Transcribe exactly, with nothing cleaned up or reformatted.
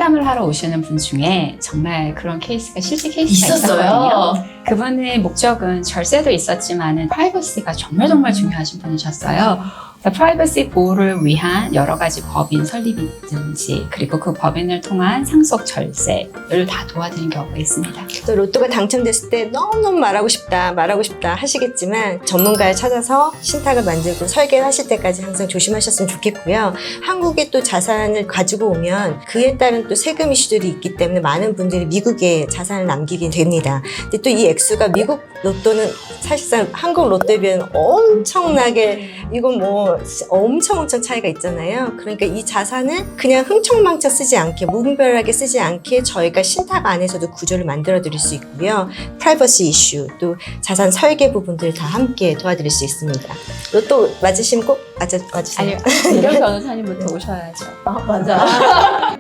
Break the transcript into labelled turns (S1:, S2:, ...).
S1: 상담을 하러 오시는 분 중에 정말 그런 케이스가 실제 케이스가
S2: 있었어요.
S1: 있었거든요. 그분의 목적은 절세도 있었지만 프라이버시가 정말 정말 중요하신 분이셨어요. 프라이버시 보호를 위한 여러 가지 법인 설립이든지 그리고 그 법인을 통한 상속 절세를 다 도와드린 경우가 있습니다.
S3: 또 로또가 당첨됐을 때 너무너무 말하고 싶다 말하고 싶다 하시겠지만 전문가를 찾아서 신탁을 만들고 설계를 하실 때까지 항상 조심하셨으면 좋겠고요. 한국에 또 자산을 가지고 오면 그에 따른 또 세금 이슈들이 있기 때문에 많은 분들이 미국에 자산을 남기게 됩니다. 근데 또 이 액수가 미국 로또는 사실상 한국 로또에 비하면 엄청나게 이건 뭐 엄청 엄청 차이가 있잖아요. 그러니까 이 자산은 그냥 흥청망청 쓰지 않게 무분별하게 쓰지 않게 저희가 신탁 안에서도 구조를 만들어 드릴 수 있고요. 프라이버시 이슈 또 자산 설계 부분들 다 함께 도와드릴 수 있습니다. 로또 맞으시면 꼭 맞아, 와주세요.
S1: 아니요, 이런 변호사님부터 오셔야죠.
S2: 아, 맞아.